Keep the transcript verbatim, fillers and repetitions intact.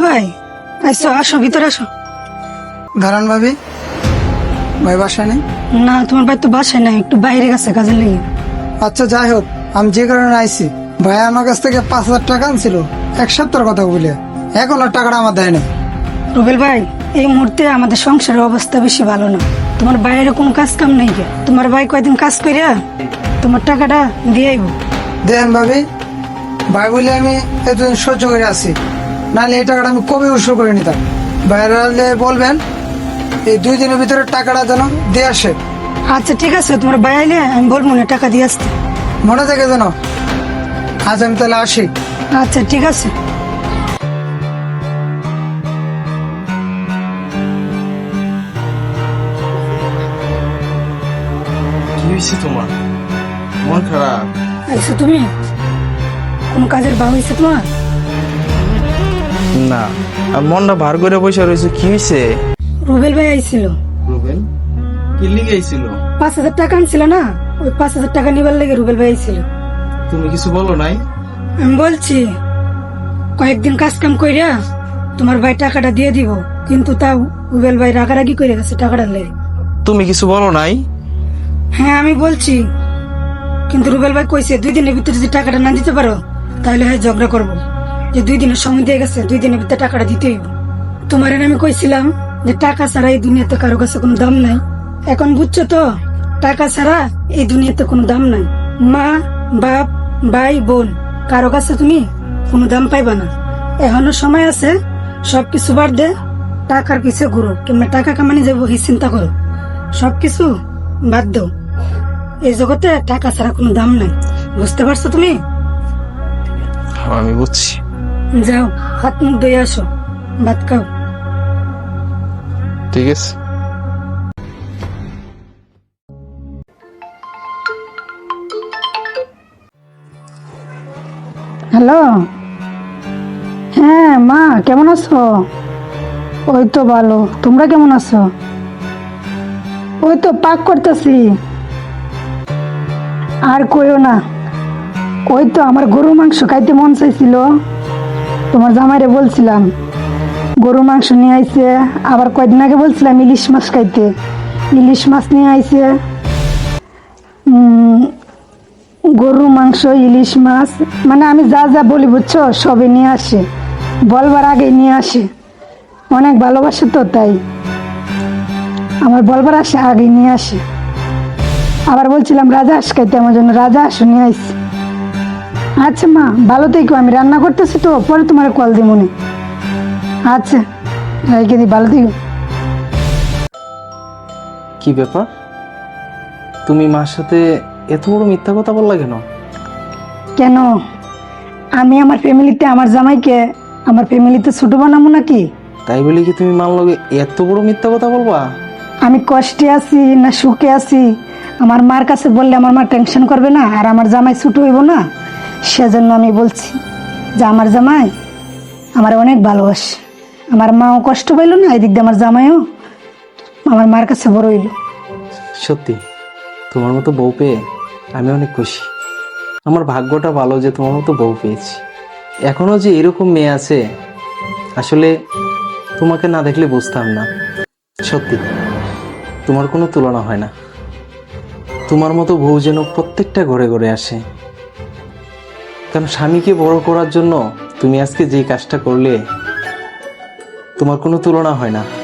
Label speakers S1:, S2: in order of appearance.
S1: ভাই আইসো, আসো ভিতরে আসো।
S2: দাঁড়ান ভাবি, ভাই বাসায় নেই?
S1: না, তোমার ভাই তো বাসায় নাই, একটু বাইরে গেছে কাজের লেগে।
S2: আচ্ছা যাই হোক, আমি যে কারণে আইছি, ভাই আমার কাছ থেকে পাঁচ হাজার টাকা আনছিল এক সপ্তাহের কথা বলে, এখন আর টাকাটা আমার দেয় না।
S1: রুবেল ভাই, এই মুহূর্তে আমাদের সংসারের অবস্থা বেশি ভালো না। তোমার বাইরে কোনো কাজ কাম নেই কে? তোমার ভাই কয়দিন কাজ করিয়া তোমার টাকাটা দিয়ে আইব।
S2: দেন ভাবি, ভাই বলে আমি এতদিন সহ্য করে আছি, নাহলে এই টাকাটা আমি কবে উৎসব করে নিতাম। বাইরে বলবেন এই দুই দিনের ভিতরে টাকাটা যেন দিয়ে আসে।
S1: আচ্ছা ঠিক আছে, তোমার ভাই আইলে আমি বলবো না টাকা দিয়ে আসতে।
S2: মনে থাকে যেন। আজ আমি তাহলে আসি।
S1: আচ্ছা ঠিক আছে।
S3: কি হয়েছে তোমার? মন খারাপ?
S1: আইসো তুমি? কোন কাজের ভাব হয়েছে তোমার?
S3: না, আর মনটা ভার করে বসে রয়েছে। কি হয়েছে?
S1: রুবেল ভাই আইছিল।
S3: রুবেল কি লিগে আইছিল?
S1: পাঁচ হাজার টাকা আনছিল না, ওই পাঁচ হাজার টাকা নিবার লেগে রুবেল ভাই আইছিল।
S3: তুমি কিছু বলো নাই?
S1: আমি বলছি কয়েকদিন কাজ কাম কইরা তোমার ভাই টাকাটা দিয়ে দিব, কিন্তু তাও রুবেল ভাই রাগারাগি করে গেছে টাকাটা লেগে।
S3: তুমি কিছু বলো নাই?
S1: হ্যাঁ আমি বলছি, কিন্তু রুবেল ভাই কইছে দুই দিনের ভিতরে যদি টাকাটা না দিতে পারো তাহলে হ্যাঁ ঝগড়া করবো। যে দুই দিনের সময় দিয়ে গেছে, দুই দিনের ভিতরে টাকাটা দিতে হইব। তোমার আমি কইছিলাম যে টাকা ছাড়া এই দুনিয়াতে কারো কাছে কোনো দাম নাই। এখন বুঝছো তো, টাকা ছাড়া এই দুনিয়াতে কোনো দাম নাই। মা, বাপ, ভাই, বোন, কারো কাছে তুমি কোনো দাম পাইবা না। এখনো সময় আছে, সবকিছু বাদ দে, টাকার পিছে ঘুরো, কিংবা টাকা কামানি যাবো এই চিন্তা করো। সবকিছু বাদ দাও। এই জগতে টাকা ছাড়া কোনো দাম নাই, বুঝতে পারছো তুমি?
S3: হ্যাঁ, আমি বুঝছি।
S1: যাও, হাত মুখ ধুয়ে আসো, ভাত খাও।
S3: ঠিক আছে।
S1: হ্যালো, হ্যাঁ মা, কেমন আছো? ওই তো ভালো, তোমরা কেমন আছো? ওই তো পাক করতেছি। আর কইও না, ওই তো আমার গরু মাংস খাইতে মন চাইছিল, তোমার জামাইরে বলছিলাম গরু মাংস নিয়ে আইছে। আবার কয়দিন আগে বলছিলাম ইলিশ মাছ খাইতে, ইলিশ মাছ নিয়ে আইছে। উম, গরু মাংস, ইলিশ মাছ, মানে আমি যা যা বলি বুঝছো সবই নিয়ে আসে, বলবার আগে নিয়ে আসে। অনেক ভালোবাসে তো, তাই আমার বলবার আসে আগে নিয়ে আসে। আবার বলছিলাম রাজা হাঁস খাইতে, আমার জন্য রাজা হাঁস নিয়ে আসছে। আচ্ছা মা, ভালো থেকো, আমি রান্না করতেছি তো, পরে তোমার কল দিই মনে। আচ্ছা রেখে দিই, ভালো থেকো।
S3: কি ব্যাপার, তুমি মার সাথে এত বড় মিথ্যা কথা বললা কেন?
S1: কেন, আমি আমার ফ্যামিলিতে আমার জামাইকে আমার ফ্যামিলিতে ছোট বানাবো নাকি?
S3: তাই বলে কি তুমি মার লগে এত বড় মিথ্যা কথা বলবা?
S1: আমি কষ্টে আছি না সুখে আছি, আমার মার কাছে বললে আমার মা টেনশন করবে না, আর আমার জামাই ছুট হইব না? সেজন্য আমি বলছি যে আমার জামাই আমার অনেক ভালোবাসে। আমার মাও কষ্ট পাইল না, এদিক দিয়ে আমার জামাইও আমার মার কাছে বড় হইল।
S3: সত্যি তোমার মতো বউ পেয়ে আমি অনেক খুশি। আমার ভাগ্যটা ভালো যে তোমার মতো বউ পেয়েছি। এখনো যে এরকম মেয়ে আছে, আসলে তোমাকে না দেখলে বুঝতাম না। সত্যি তোমার কোনো তুলনা হয় না। তোমার মতো বউ যেন প্রত্যেকটা ঘরে ঘরে আসে। কারণ স্বামীকে বড় করার জন্য তুমি আজকে যে কাজটা করলে, তোমার কোনো তুলনা হয় না।